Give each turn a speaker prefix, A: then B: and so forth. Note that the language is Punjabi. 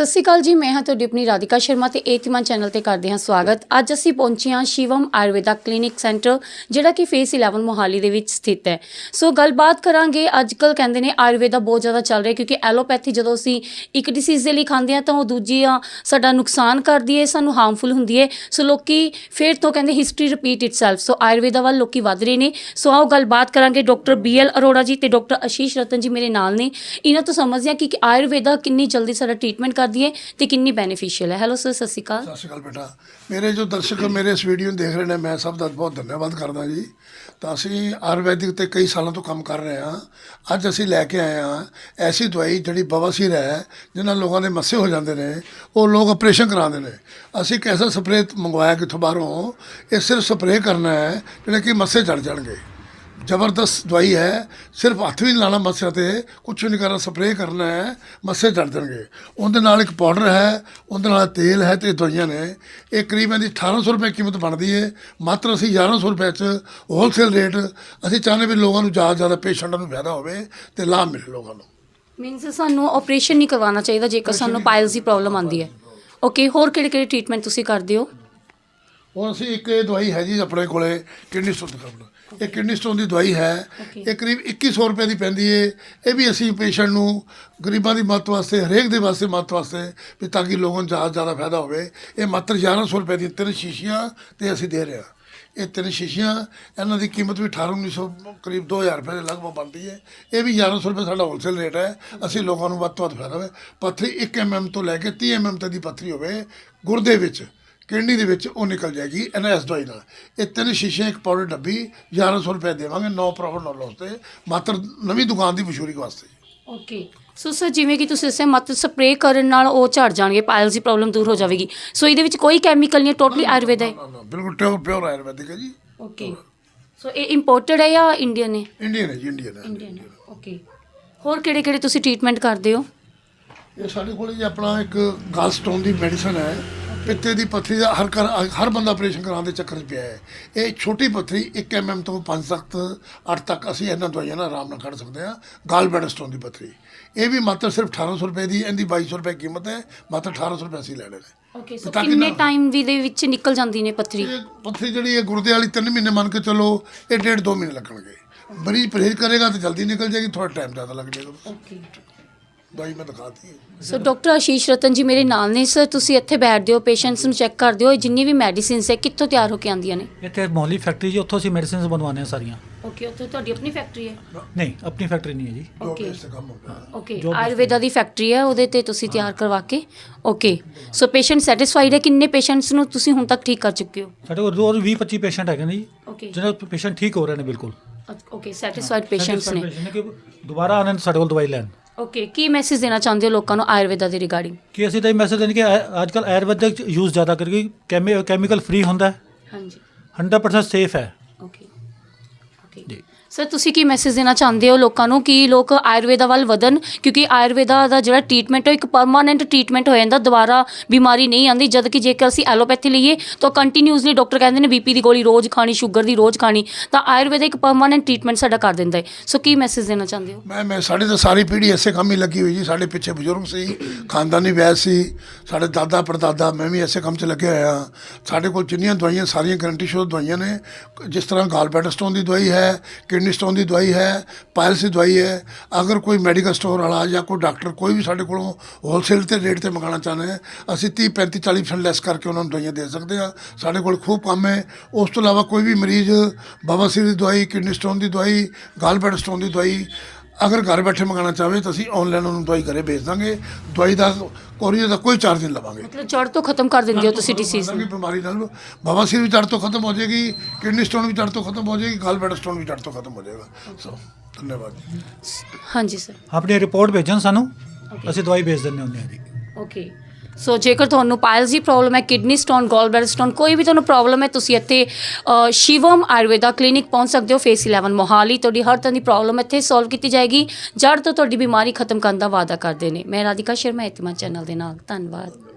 A: ਸਤਿ ਸ਼੍ਰੀ ਅਕਾਲ ਜੀ, ਮੈਂ ਹਾਂ ਤੁਹਾਡੀ ਆਪਣੀ ਰਾਧਿਕਾ ਸ਼ਰਮਾ ਤੇ ਏਤਿਮਾਨ ਚੈਨਲ ਤੇ ਕਰਦੇ ਹਾਂ ਸਵਾਗਤ। ਅੱਜ ਅਸੀਂ ਪਹੁੰਚੇ ਹਾਂ ਸ਼ਿਵਮ ਆਯੁਰਵੇਦਾ ਕਲੀਨਿਕ ਸੈਂਟਰ, ਜਿਹੜਾ ਕਿ ਫੇਸ 11 ਮੋਹਾਲੀ ਦੇ ਵਿੱਚ ਸਥਿਤ ਹੈ। ਸੋ ਗੱਲਬਾਤ ਕਰਾਂਗੇ। ਅੱਜ ਕੱਲ੍ਹ ਕਹਿੰਦੇ ਨੇ ਆਯੁਰਵੇਦਾ ਬਹੁਤ ਜ਼ਿਆਦਾ ਚੱਲ ਰਿਹਾ, ਕਿਉਂਕਿ ਐਲੋਪੈਥੀ ਜਦੋਂ ਅਸੀਂ ਇੱਕ ਡਿਸੀਜ਼ ਦੇ ਲਈ ਖਾਂਦੇ ਹਾਂ ਤਾਂ ਉਹ ਦੂਜੀ ਸਾਡਾ ਨੁਕਸਾਨ ਕਰਦੀ ਹੈ, ਸਾਨੂੰ ਹਾਰਮਫੁਲ ਹੁੰਦੀ ਹੈ। ਸੋ ਲੋਕੀ ਫਿਰ ਤੋਂ ਕਹਿੰਦੇ history repeat itself. So Ayurveda ਵੱਲ ਲੋਕੀ ਵੱਧ ਰਹੇ ਨੇ। ਸੋ ਆਓ ਗੱਲਬਾਤ ਕਰਾਂਗੇ। ਡਾਕਟਰ BL ਅਰੋੜਾ ਜੀ ਤੇ ਡਾਕਟਰ ਆਸ਼ੀਸ਼ ਰਤਨ ਜੀ ਮੇਰੇ ਨਾਲ ਨੇ। ਇਹਨਾਂ ਤੋਂ ਸਮਝਦੇ ਹਾਂ ਕਿ ਆਯੁਰਵੇਦਾ ਕਿੰਨੀ ਜਲਦੀ ਸਾਡਾ ਟ੍ਰੀਟਮੈਂਟ ਕਰਦੀ ਹੈ ਤੇ ਕਿੰਨੀ ਬੈਨੀਫੀਸ਼ੀਅਲ ਹੈ। ਹੈਲੋ ਸਰ, ਸਤਿ ਸ਼੍ਰੀ ਅਕਾਲ।
B: ਸਤਿ ਸ਼੍ਰੀ ਅਕਾਲ ਬੇਟਾ। ਮੇਰੇ ਜੋ ਦਰਸ਼ਕ ਮੇਰੇ ਇਸ ਵੀਡੀਓ ਨੂੰ ਦੇਖ ਰਹੇ ਨੇ, ਮੈਂ ਸਭ ਦਾ ਬਹੁਤ ਧੰਨਵਾਦ ਕਰਦਾ ਜੀ। ਤਾਂ ਅਸੀਂ ਆਯੁਰਵੈਦਿਕ ਤੇ ਕਈ ਸਾਲਾਂ ਤੋਂ ਕੰਮ ਕਰ ਰਹੇ ਹਾਂ। ਅੱਜ ਅਸੀਂ ਲੈ ਕੇ ਆਏ ਹਾਂ ਐਸੀ ਦਵਾਈ ਜਿਹੜੀ ਬਵਾਸੀਰ ਹੈ, ਜਿਨ੍ਹਾਂ ਲੋਕਾਂ ਦੇ ਮੱਸੇ ਹੋ ਜਾਂਦੇ ਨੇ, ਉਹ ਲੋਕ ਆਪਰੇਸ਼ਨ ਕਰਾਉਂਦੇ ਨੇ। ਅਸੀਂ ਇੱਕ ਐਸਾ ਸਪਰੇਅ ਮੰਗਵਾਇਆ ਕਿੱਥੋਂ ਬਾਹਰੋਂ। ਇਹ ਸਿਰਫ ਸਪਰੇਅ ਕਰਨਾ ਹੈ ਜਿਹੜੇ ਕਿ ਮੱਸੇ ਚੜ ਜਾਣਗੇ। ਜ਼ਬਰਦਸਤ ਦਵਾਈ ਹੈ। ਸਿਰਫ ਹੱਥ ਵੀ ਨਹੀਂ ਲਾਉਣਾ ਮੱਸਿਆਂ 'ਤੇ, ਕੁਛ ਵੀ ਨਹੀਂ ਕਰਨਾ, ਸਪਰੇਅ ਕਰਨਾ ਹੈ, ਮੱਸੇ ਚੜ ਜਾਣਗੇ। ਉਹਦੇ ਨਾਲ ਇੱਕ ਪਾਊਡਰ ਹੈ, ਉਹਦੇ ਨਾਲ ਤੇਲ ਹੈ ਅਤੇ ਦਵਾਈਆਂ ਨੇ। ਇਹ ਕਰੀਬ ਇਹਦੀ 1800 ਰੁਪਏ ਕੀਮਤ ਬਣਦੀ ਹੈ। ਮਾਤਰ ਅਸੀਂ 1100 ਰੁਪਏ 'ਚ ਹੋਲਸੇਲ ਰੇਟ। ਅਸੀਂ ਚਾਹੁੰਦੇ ਵੀ ਲੋਕਾਂ ਨੂੰ ਜ਼ਿਆਦਾ ਪੇਸ਼ੈਂਟਾਂ ਨੂੰ ਫਾਇਦਾ ਹੋਵੇ ਅਤੇ ਲਾਭ ਮਿਲੇ ਲੋਕਾਂ ਨੂੰ।
A: ਮੀਨਸ ਸਾਨੂੰ ਆਪਰੇਸ਼ਨ ਨਹੀਂ ਕਰਵਾਉਣਾ ਚਾਹੀਦਾ ਜੇਕਰ ਸਾਨੂੰ ਪਾਇਲਸ ਦੀ ਪ੍ਰੋਬਲਮ ਆਉਂਦੀ ਹੈ। ਓਕੇ, ਹੋਰ ਕਿਹੜੇ ਟ੍ਰੀਟਮੈਂਟ ਤੁਸੀਂ ਕਰਦੇ ਹੋ?
B: ਹੁਣ ਅਸੀਂ ਇੱਕ ਇਹ ਦਵਾਈ ਹੈ ਜੀ ਆਪਣੇ ਕੋਲੇ, ਕਿਡਨੀ ਸਟੋਨ ਦੀ। ਇਹ ਕਿਡਨੀ ਸਟੋਨ ਦੀ ਦਵਾਈ ਹੈ। ਇਹ ਕਰੀਬ 2100 ਰੁਪਏ ਦੀ ਪੈਂਦੀ ਹੈ। ਇਹ ਵੀ ਅਸੀਂ ਪੇਸ਼ੈਂਟ ਨੂੰ ਗਰੀਬਾਂ ਦੀ ਮਦਦ ਵਾਸਤੇ, ਹਰੇਕ ਦੇ ਵਾਸਤੇ ਮਦਦ ਵਾਸਤੇ, ਵੀ ਤਾਂ ਕਿ ਲੋਕਾਂ ਨੂੰ ਜ਼ਿਆਦਾ ਫਾਇਦਾ ਹੋਵੇ। ਇਹ ਮਾਤਰ 1100 ਰੁਪਏ ਦੀ 3 ਸ਼ੀਸ਼ੀਆਂ ਤੇ ਅਸੀਂ ਦੇ ਰਹੇ ਹਾਂ। ਇਹ 3 ਸ਼ੀਸ਼ੀਆਂ, ਇਹਨਾਂ ਦੀ ਕੀਮਤ ਵੀ 1800-1900 ਕਰੀਬ 2000 ਰੁਪਏ ਦੇ ਲਗਭਗ ਬਣਦੀ ਹੈ। ਇਹ ਵੀ 1100 ਰੁਪਏ ਸਾਡਾ ਹੋਲਸੇਲ ਰੇਟ ਹੈ। ਅਸੀਂ ਲੋਕਾਂ ਨੂੰ ਵੱਧ ਤੋਂ ਵੱਧ ਫਾਇਦਾ ਹੋਵੇ। ਪੱਥਰੀ 1 mm ਤੋਂ ਲੈ ਕੇ 30 mm ਤੱਕ ਦੀ ਪੱਥਰੀ ਹੋਵੇ ਗੁਰਦੇ ਵਿੱਚ, ਕਿਡਨੀ ਦੇ ਵਿੱਚ, ਉਹ ਨਿਕਲ ਜਾਏਗੀ ਇਹਨਾਂ ਇਸ ਦਵਾਈ ਨਾਲ। ਇਹ 3 ਸ਼ੀਸ਼ੇ, ਇੱਕ ਪਾਊਡਰ ਡੱਬੀ 1100 ਰੁਪਏ ਦੇਵਾਂਗੇ। ਨੋ ਪ੍ਰੋਫਿਟ ਨੋ ਲੋਸ ਤੇ, ਮਾਤਰ ਨਵੀਂ ਦੁਕਾਨ ਦੀ ਮਸ਼ਹੂਰੀ ਵਾਸਤੇ।
A: ਓਕੇ, ਸੋ ਸਰ ਜਿਵੇਂ ਕਿ ਤੁਸੀਂ ਦੱਸਿਆ ਮਾਤਰ ਸਪਰੇਅ ਕਰਨ ਨਾਲ ਉਹ ਝੜ ਜਾਣਗੇ, ਪਾਇਲਸ ਦੀ ਪ੍ਰੋਬਲਮ ਦੂਰ ਹੋ ਜਾਵੇਗੀ। ਸੋ ਇਹਦੇ ਵਿੱਚ ਕੋਈ ਕੈਮੀਕਲ ਨਹੀਂ, ਟੋਟਲੀ ਆਯੁਰਵੇਦ ਹੈ?
B: ਬਿਲਕੁਲ ਪਿਓਰ ਆਯੁਰਵੈਦਿਕ ਹੈ ਜੀ।
A: ਓਕੇ, ਸੋ ਇਹ ਇੰਪੋਰਟਡ ਹੈ ਜਾਂ ਇੰਡੀਅਨ ਹੈ?
B: ਇੰਡੀਅਨ ਹੈ ਜੀ, ਇੰਡੀਅਨ ਹੈ।
A: ਇੰਡੀਅਨ ਹੈ। ਓਕੇ, ਹੋਰ ਕਿਹੜੇ ਤੁਸੀਂ ਟ੍ਰੀਟਮੈਂਟ ਕਰਦੇ ਹੋ?
B: ਇਹ ਸਾਡੇ ਕੋਲ ਜੀ ਆਪਣਾ ਇੱਕ ਗਾਲ ਸਟੋਨ ਦੀ ਮੈਡੀਸਨ ਹੈ। ਪਿੱਤੇ ਦੀ ਪੱਥਰੀ ਦਾ ਹਰ ਬੰਦਾ ਆਪਰੇਸ਼ਨ ਕਰਾਉਣ ਦੇ ਚੱਕਰ 'ਚ ਪਿਆ ਹੈ। ਇਹ ਛੋਟੀ ਪੱਥਰੀ 1 mm ਤੋਂ 5 ਤੱਕ 8 ਤੱਕ ਅਸੀਂ ਇਹਨਾਂ ਦਵਾਈਆਂ ਨਾਲ ਆਰਾਮ ਨਾਲ ਕੱਢ ਸਕਦੇ ਹਾਂ। ਗਾਲ ਬੈਡਰ ਸਟੋਨ ਦੀ ਪੱਥਰੀ, ਇਹ ਵੀ ਮਾਤਰ ਸਿਰਫ 1800 ਰੁਪਏ ਦੀ, ਇਹਦੀ 2200 ਰੁਪਏ ਕੀਮਤ ਹੈ। ਮਾਤਰ 1800 ਰੁਪਏ ਅਸੀਂ ਲੈਣੇ ਨੇ।
A: ਓਕੇ, ਸੋ ਕਿੰਨੇ ਟਾਈਮ ਵੀ ਦੇ ਵਿੱਚ ਨਿਕਲ ਜਾਂਦੀ ਨੇ ਪੱਥਰੀ?
B: ਇਹ ਪੱਥਰੀ ਜਿਹੜੀ ਹੈ ਗੁਰਦੇ ਵਾਲੀ 3 ਮਹੀਨੇ ਮੰਨ ਕੇ ਚਲੋ, ਇਹ 1.5-2 ਮਹੀਨੇ ਲੱਗਣਗੇ। ਮਰੀਜ਼ ਪਰਹੇਜ਼ ਕਰੇਗਾ ਤਾਂ ਜਲਦੀ ਨਿਕਲ ਜਾਏਗੀ, ਥੋੜਾ ਟਾਈਮ ਜ਼ਿਆਦਾ ਲੱਗ ਜਾਏਗਾ।
A: ਓਕੇ,
B: ਦਵਾਈ ਮੈਂ ਦਿਖਾਤੀ ਹੈ।
A: ਸੋ ਡਾਕਟਰ ਆਸ਼ੀਸ਼ ਰਤਨ ਜੀ ਮੇਰੇ ਨਾਲ ਨੇ। ਸਰ ਤੁਸੀਂ ਇੱਥੇ ਬੈਠਦੇ ਹੋ, ਪੇਸ਼ੈਂਟਸ ਨੂੰ ਚੈੱਕ ਕਰਦੇ ਹੋ। ਜਿੰਨੀ ਵੀ ਮੈਡੀਸਿਨਸ ਹੈ ਕਿੱਥੋਂ ਤਿਆਰ ਹੋ ਕੇ ਆਉਂਦੀਆਂ ਨੇ?
C: ਇੱਥੇ ਮੋਹਾਲੀ ਫੈਕਟਰੀ ਜੀ, ਉੱਥੋਂ ਅਸੀਂ ਮੈਡੀਸਿਨਸ ਬਣਵਾਉਂਦੇ ਹਾਂ ਸਾਰੀਆਂ।
A: ਓਕੇ, ਉੱਥੇ ਤੁਹਾਡੀ ਆਪਣੀ ਫੈਕਟਰੀ ਹੈ?
C: ਨਹੀਂ, ਆਪਣੀ ਫੈਕਟਰੀ ਨਹੀਂ ਹੈ ਜੀ।
A: ਓਕੇ
B: ਇਸ ਤੇ ਕੰਮ ਹੋ ਗਿਆ।
A: ਓਕੇ, ਆਯੁਰਵੇਦਾ ਦੀ ਫੈਕਟਰੀ ਹੈ, ਉਹਦੇ ਤੇ ਤੁਸੀਂ ਤਿਆਰ ਕਰਵਾ ਕੇ। ਓਕੇ, ਸੋ ਪੇਸ਼ੈਂਟ ਸੈਟੀਸਫਾਈਡ ਹੈ? ਕਿੰਨੇ ਪੇਸ਼ੈਂਟਸ ਨੂੰ ਤੁਸੀਂ ਹੁਣ ਤੱਕ ਠੀਕ ਕਰ ਚੁੱਕੇ ਹੋ?
C: ਸਾਡੇ ਕੋਲ ਰੋਜ਼ 20-25 ਪੇਸ਼ੈਂਟ ਹੈਗੇ ਨੇ ਜੀ,
A: ਓਕੇ
C: ਜਿਹਨਾਂ ਪੇਸ਼ੈਂਟ ਠੀਕ ਹੋ ਰਹੇ ਨੇ ਬਿਲਕੁਲ।
A: ਓਕੇ, ਸੈਟੀਸਫਾਈਡ ਪੇਸ਼ੈਂਟਸ ਨੇ।
C: ਕਿ ਦੁਬਾਰਾ ਆਉਣ ਸਾਡੇ ਕੋਲ ਦਵਾਈ ਲੈਣ।
A: ਓਕੇ, ਕੀ ਮੈਸੇਜ ਦੇਣਾ ਚਾਹੁੰਦੇ ਹੋ ਲੋਕਾਂ ਨੂੰ ਆਯੁਰਵੇਦਾ ਦੇ ਰਿਗਾਰਡਿੰਗ?
C: ਕਿ ਅਸੀਂ ਤਾਂ ਇਹ ਮੈਸੇਜ ਦੇਣ ਕਿ ਅੱਜ ਕੱਲ੍ਹ ਆਯੁਰਵੈਦਿਕ ਯੂਜ਼ ਜ਼ਿਆਦਾ ਕਰੀਏ। ਕੈਮੀਕਲ ਫ੍ਰੀ ਹੁੰਦਾ ਹੈ,
A: ਹਾਂਜੀ,
C: 100% ਸੇਫ ਹੈ
A: ਓਕੇ ਓਕੇ
C: ਜੀ।
A: ਸਰ ਤੁਸੀਂ ਕੀ ਮੈਸੇਜ ਦੇਣਾ ਚਾਹੁੰਦੇ ਹੋ ਲੋਕਾਂ ਨੂੰ ਕਿ ਲੋਕ ਆਯੁਰਵੇਦਾ ਵੱਲ ਵਧਣ? ਕਿਉਂਕਿ ਆਯੁਰਵੇਦਾ ਦਾ ਜਿਹੜਾ ਟ੍ਰੀਟਮੈਂਟ ਹੈ ਇੱਕ ਪਰਮਾਨੈਂਟ ਟ੍ਰੀਟਮੈਂਟ ਹੋ ਜਾਂਦਾ, ਦੁਬਾਰਾ ਬਿਮਾਰੀ ਨਹੀਂ ਆਉਂਦੀ। ਜਦ ਕਿ ਜੇਕਰ ਅਸੀਂ ਐਲੋਪੈਥੀ ਲਈਏ ਤਾਂ ਕੰਟੀਨਿਊਸਲੀ ਡਾਕਟਰ ਕਹਿੰਦੇ ਨੇ BP ਦੀ ਗੋਲੀ ਰੋਜ਼ ਖਾਣੀ, ਸ਼ੂਗਰ ਦੀ ਰੋਜ਼ ਖਾਣੀ। ਤਾਂ ਆਯੁਰਵੇਦਾ ਇੱਕ ਪਰਮਾਨੈਂਟ ਟ੍ਰੀਟਮੈਂਟ ਸਾਡਾ ਕਰ ਦਿੰਦਾ ਹੈ। ਸੋ ਕੀ ਮੈਸੇਜ ਦੇਣਾ ਚਾਹੁੰਦੇ ਹੋ?
B: ਮੈਂ ਸਾਡੀ ਤਾਂ ਸਾਰੀ ਪੀੜ੍ਹੀ ਐਸੇ ਕੰਮ ਹੀ ਲੱਗੀ ਹੋਈ ਜੀ। ਸਾਡੇ ਪਿੱਛੇ ਬਜ਼ੁਰਗ ਸੀ, ਖਾਨਦਾਨੀ ਵੈਦ ਸੀ, ਸਾਡੇ ਦਾਦਾ ਪੜਦਾਦਾ, ਮੈਂ ਵੀ ਐਸੇ ਕੰਮ 'ਚ ਲੱਗਿਆ ਹੋਇਆ। ਸਾਡੇ ਕੋਲ ਜਿੰਨੀਆਂ ਦਵਾਈਆਂ ਸਾਰੀਆਂ ਗਰੰਟੀ ਸ਼ੁੱਧ ਦਵਾਈਆਂ ਨੇ। ਜਿਸ ਤਰ੍ਹਾਂ ਗਾਲ ਬੈਡਰ ਸਟੋਨ ਦੀ ਦਵਾਈ ਹੈ, ਕਿਡਨੀ ਸਟੋਨ ਦੀ ਦਵਾਈ ਹੈ, ਪਾਇਲਸ ਦੀ ਦਵਾਈ ਹੈ। ਅਗਰ ਕੋਈ ਮੈਡੀਕਲ ਸਟੋਰ ਵਾਲਾ ਜਾਂ ਕੋਈ ਡਾਕਟਰ ਕੋਈ ਵੀ ਸਾਡੇ ਕੋਲੋਂ ਹੋਲਸੇਲ ਤੇ ਰੇਟ 'ਤੇ ਮੰਗਾਉਣਾ ਚਾਹੁੰਦੇ ਹੈ, ਅਸੀਂ 30-35-40% ਲੈਸ ਕਰਕੇ ਉਹਨਾਂ ਨੂੰ ਦਵਾਈਆਂ ਦੇ ਸਕਦੇ ਹਾਂ। ਸਾਡੇ ਕੋਲ ਖੂਬ ਕੰਮ ਹੈ। ਉਸ ਤੋਂ ਇਲਾਵਾ ਕੋਈ ਵੀ ਮਰੀਜ਼ ਬਵਾਸੀਰ ਦੀ ਦਵਾਈ, ਕਿਡਨੀ ਸਟੋਨ ਦੀ ਦਵਾਈ, ਗਾਲ ਬੈਡਰ ਸਟੋਨ ਦੀ ਦਵਾਈ ਅਗਰ ਘਰ ਬੈਠੇ ਮੰਗਾਉਣਾ ਚਾਹਵੇ ਤਾਂ ਅਸੀਂ ਆਨਲਾਈਨ ਉਹਨੂੰ ਦਵਾਈ ਘਰੇ ਭੇਜ ਦਾਂਗੇ। ਦਵਾਈ ਦਾ ਕੋਰੀਅਰ ਦਾ ਕੋਈ ਚਾਰਜ ਨਹੀਂ ਲਵਾਂਗੇ।
A: ਮਤਲਬ ਜੜ ਤੋਂ ਖਤਮ ਕਰ ਦਿੰਦੇ ਹੋ ਤੁਸੀਂ ਡਿਸੀਜ਼ ਨੂੰ?
B: ਬਿਮਾਰੀ ਨਾਲ ਬਵਾਸੀਰ ਵੀ ਜੜ ਤੋਂ ਖਤਮ ਹੋ ਜਾਏਗੀ, ਕਿਡਨੀ ਸਟੋਨ ਵੀ ਜੜ ਤੋਂ ਖਤਮ ਹੋ ਜਾਏਗੀ, ਗਾਲ ਬੈਡਰ ਸਟੋਨ ਵੀ ਜੜ ਤੋਂ ਖਤਮ ਹੋ ਜਾਏਗਾ। ਸੋ ਧੰਨਵਾਦ ਜੀ।
A: ਹਾਂਜੀ ਸਰ,
C: ਆਪਣੀ ਰਿਪੋਰਟ ਭੇਜਣ ਸਾਨੂੰ, ਅਸੀਂ ਦਵਾਈ ਭੇਜ ਦਿੰਦੇ ਹੁੰਦੇ ਹਾਂ ਜੀ।
A: ਓਕੇ, ਸੋ ਜੇਕਰ ਤੁਹਾਨੂੰ ਪਾਇਲਸ ਦੀ ਪ੍ਰੋਬਲਮ ਹੈ, kidney stone, gall bladder stone, ਕੋਈ ਵੀ ਤੁਹਾਨੂੰ ਪ੍ਰੋਬਲਮ ਹੈ, ਤੁਸੀਂ ਇੱਥੇ ਸ਼ਿਵਮ ਆਯੁਰਵੇਦਾ ਕਲੀਨਿਕ ਪਹੁੰਚ ਸਕਦੇ ਹੋ। ਫੇਸ 11 ਮੋਹਾਲੀ। ਤੁਹਾਡੀ ਹਰ ਤਰ੍ਹਾਂ ਦੀ ਪ੍ਰੋਬਲਮ ਇੱਥੇ ਸੋਲਵ ਕੀਤੀ ਜਾਏਗੀ। ਜੜ ਤੋਂ ਤੁਹਾਡੀ ਬਿਮਾਰੀ ਖਤਮ ਕਰਨ ਦਾ ਵਾਅਦਾ ਕਰਦੇ ਨੇ। ਮੈਂ ਰਾਧਿਕਾ ਸ਼ਰਮਾ, ਏਤਿਮਾਨ ਚੈਨਲ ਦੇ ਨਾਲ। ਧੰਨਵਾਦ।